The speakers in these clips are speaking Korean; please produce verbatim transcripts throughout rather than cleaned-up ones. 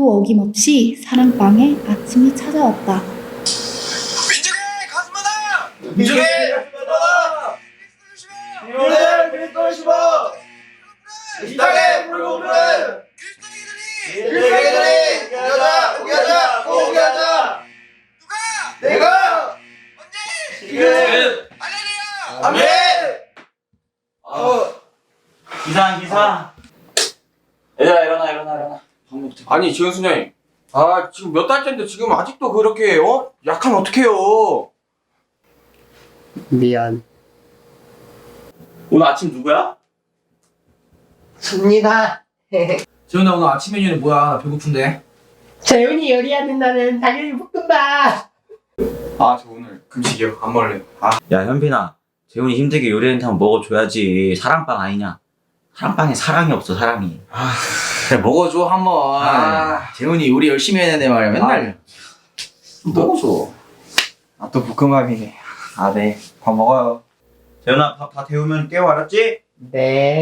하루도 어김없이 사랑방에 아침이 찾아왔다. 민중의 가슴마다! 민중의 가슴마다! 이오늘 그리스도를 심어! 이 땅에 불고 부르는 그리스도인들이 포기하자! 포기하자! 포기하자! 누가? 내가! 언제? 지금! 할렐루야! 아멘! 어. 기상 기상. 얘들아 일어나 일어나 일어나. 밥 먹자. 아니 지금 순장님, 아 지금 몇 달째인데 지금 아직도 그렇게 어? 약하면 어떡해요? 미안. 오늘 아침 누구야? 접니다. 재훈아 오늘 아침 메뉴는 뭐야? 나 배고픈데. 재훈이 요리하는 당연히 볶음밥. 아 저 오늘 금식이요. 안 먹을래요. 아 야 현빈아, 재훈이 힘들게 요리했는데 먹어줘야지. 사랑빵 아니냐? 사랑빵에 사랑이 없어 사랑이. 그래 먹어줘 한번. 아. 재훈이 요리 열심히 해내네 말이야. 맨날 좀 먹어줘. 아 또 볶음밥이네. 아 네. 밥 먹어요. 재훈아 밥 다 데우면 깨워 알았지? 네.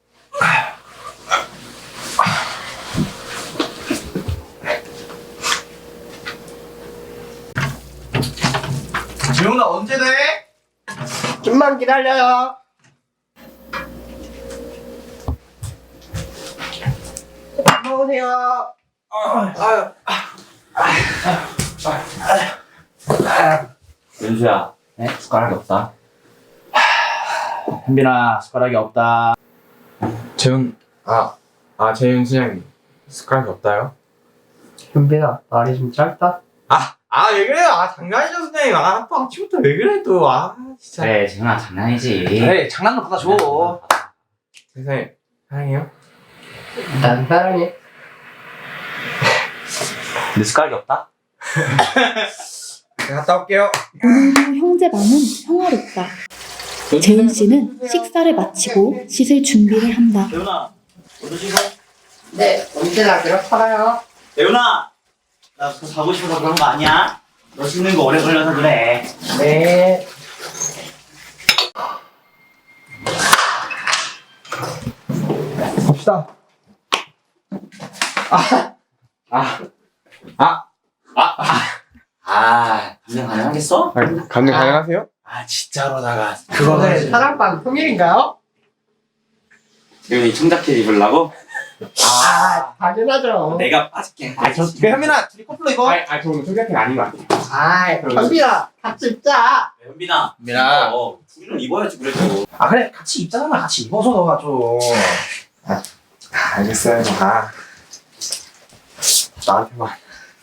재훈아 언제 돼? 좀만 기다려요. 밥 먹으세요. 윤수야, 네? 숟가락이 없다. 현빈아 숟가락이 없다. 재훈 아, 아 재훈 순장님 숟가락이 없다요? 현빈아, 말이 좀 짧다. 아, 아 왜 그래요? 아 장난이죠 순장님. 아 또 아침부터 왜 그래 또. 아 진짜. 그래 재훈아 장난이지. 그래 장난감 받아줘. 선생님 사랑해요? 난 사랑해. 내 숟가락이 없다? 네, 갔다 올게요. 오늘도 형제방은 평화롭다. 재훈 씨는 식사를 마치고 씻을 준비를 한다. 재훈아, 너도 씻어? 네, 언제나 그렇잖아요. 재훈아, 나 그거 자고 싶어서 그런 거 아니야? 너 씻는 거 오래 걸려서 그래. 네. 갑시다. 아, 감당 가능하겠어? 아, 감당 가능하세요? 아 진짜로다가 오늘 사랑방 통일인가요? 재훈이 청자켓 입으려고? 아, 당연하죠. 내가 빠질게. 아 저 그 현빈아 둘이 커플로 입어. 아, 저 오늘 소개팅 아닌 것 같아요. 아, 현빈아, 같이 입자. 현빈아, 현빈아. 어, 둘이는 입어야지 그래도. 아 그래 같이 입잖아. 같이 입어서 너가 좀. 아, 알겠어요. 아, 나한테만.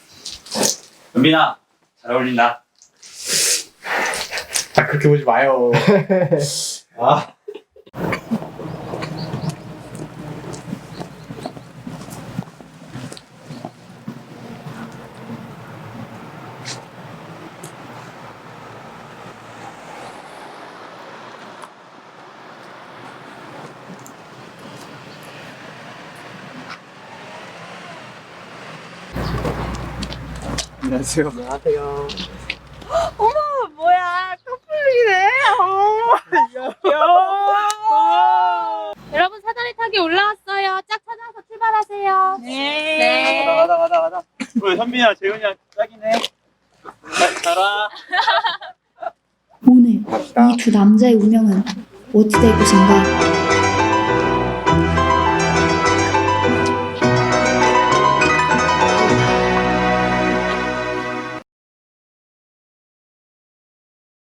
현빈아, 잘 어울린다. 아, 그렇게 보지 마요. 아. 안녕하세요. 안녕하세요. 뭐야 커플이네. 어. 여러분 사다리 타기 올라왔어요. 짝 찾아서 출발하세요. 네. 가자 가자 가자. 우리 현빈이랑 재훈이랑 짝이네. 가라. 오늘 이 두 남자의 운명은 어찌 될 것인가?